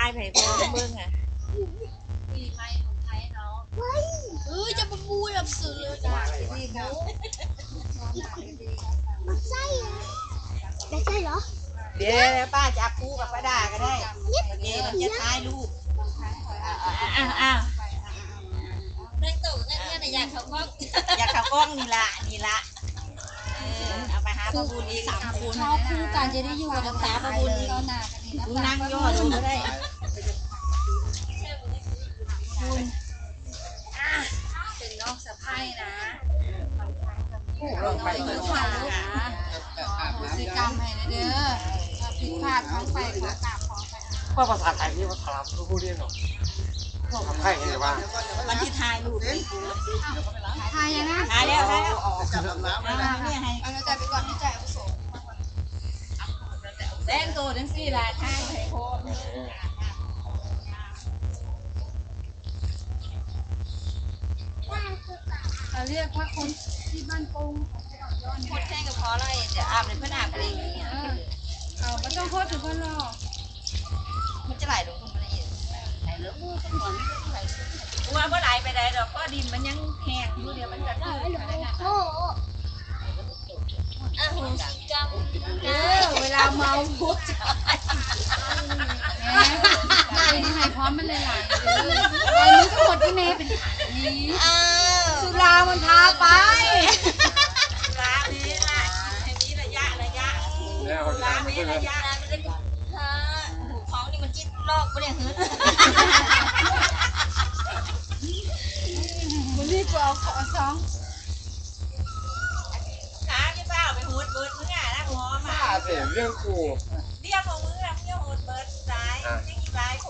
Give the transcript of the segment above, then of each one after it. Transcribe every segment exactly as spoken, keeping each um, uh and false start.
ายไผ่พอเบิ่งอ่ะปีใหม่ของไทยเนาะเออจะมาบูแบบสื่อเลยจ้ะดีครับมันไส้เหรอไม่ใช่เหรอเดี๋ยวป้าจะคู่กับป้าดาก็ได้เดี๋ยวมันจะท้ายรูปอ้าวอ้าวนั่งโต๊ะนั่งเนี่ยอยากเขาก็อยากเข้ากล้องนี่ละนี่ละเออเอาไปหาพระบุญอีกสามคนชอบคู่กันจะได้อยู่กับตาประบุญเราหนากันดีนะนั่งย่อดูก็ได้คุณเป็นน้องสะพ้ายนะน้องเป็นลูกสาวนะโหสิกรรมให้เด้อผิดพลาดของไปขอกราบขอไปว่าภาษาไทยนี่ภาษาลาวไม่พูดได้หรอกทำไทยไงว่าวันที่ท้ายรูปนี่ทายยังนะท้ายแล้วท้ายแล้วจับน้ำเอาเนี่ยให้เอาใจไปก่อนที่ใจอาวุโสแดงโตทั้งสี่ละท้ายไผ่พอเราเรียกว่าคนที่บ้านปงโคตรแท่งกับพออะไรเดี๋ยวอาบเลยเพื่อนอาบอะไรอย่างเงี้ยเอาไม่ต้องโคตรถึงคนรอมันจะไหลลงตรงนี้ไหลลงมือสมองว่าเมื่อไหลไปไหนดอกก็ดินมันยังแห้งอยู่เดียวมันจะขึ้นไปได้ไงโอ้โหอ่ะหุ่นสีจำเออเวลาเมาพูดแม่เป็นยังไงพร้อมมันเลยหลายเลยไอ้มึงก็หมดที่เมย์เป็นนี้สุรามันพาไปสุรานี้ละให้มีระยะระยะแล้วสุรามีระยะมันจะฮะหูของนี่มันจิ้นลอกปะเนี่ยฮึวันนี้กูเอาขอสองขาจะเปล่าไปหูดเบิดมึงอ่ะนะหมอมาเสียเรื่องกูเรียกของมึงอ่ะมึงหูดเบิดสายยังอีกหลายคน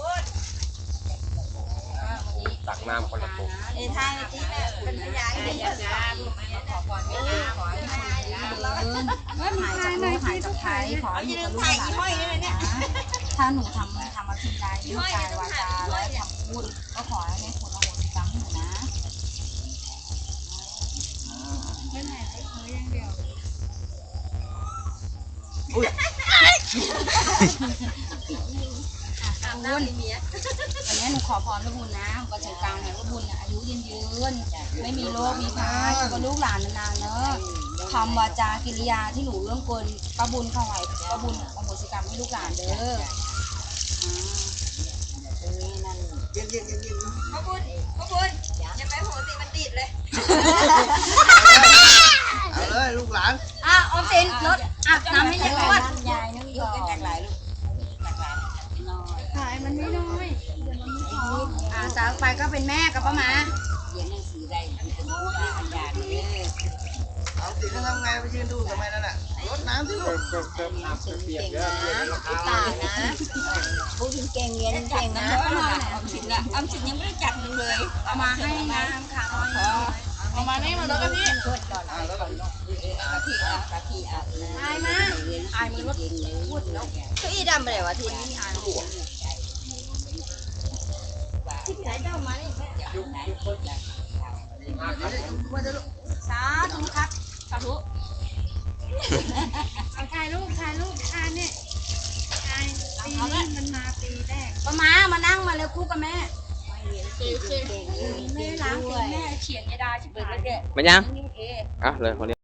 ตักน้ำคนละตัวไอ้ทางที่แม่เป็นพยานให้ยาดาลูกขอก่อนไม่ได้ขอให้ถ่ายนะว่ามีใครหน่อยที่ต้องถ่ายขอเอาอย่าลืมถ่ายยี่ห้อยนี่เลยเนี่ยถ้าหนูทำทำอาชีพใดด้วยกายวาจาและคำพูดก็ขอให้ได้ผลอโหสิกรรมให้หนูนะไม่ถ่ายได้เธออย่างเดียวบุญวันนี้หนูขอพรพระบุญนะก็ใจกลางให้พระบุญอายุยืนยืนไม่มีโรคมีภัยอยู่กับลูกหลานนานๆเนอะคำวาจากิริยาที่หนูเรื่องเกินพระบุญเข้าไว้พระบุญอโหสิกรรมให้ลูกหลานเด้อขอบคุณขอบคุณอย่าไปโหสิมันติดเลยเอาเลยลูกหลานอ่ะออมสินรถอาบน้ำให้ยายอ้วนยายนึกอยู่กันจากหลายลูกจากหลายน้อยขายมันไม่น้อยอ่าสาวไปก็เป็นแม่กับป้าหมาเรียนหนังสือได้เป็นผู้ว่าอันยาเลยเอาสิจะทำไงไปยืนดูทำไมนั่นน่ะรดน้ำที่ลูกเติมน้ำเปียกเยอะตานะผู้หญิงเก่งเรียนเก่งนะออมสินละออมสินยังไม่ได้จัดเลยเอามาให้น้ำค่ะเอามานี่มาแล้วก็พี่ช่วยก่อนอ่ะแล้วก็กะทิอ่ะกะทิอ่ะอายมาอายมันรถพูดแล้วเก้าอี้ดำไปไหนวะทีนี้อายหัวที่ไหนเจ้ามานี่ยุคยุคคนละสาธุครับสาธุเอาถ่ายรูปถ่ายรูปถ่ายเนี่ยถ่ายปีนี้มันมาปีแรกป้าหมามานั่งมาเลยคู่กับแม่แม่ล้างตีแม่เขียนยาดาชิบหายมันยังอ่ะเลยคนนี้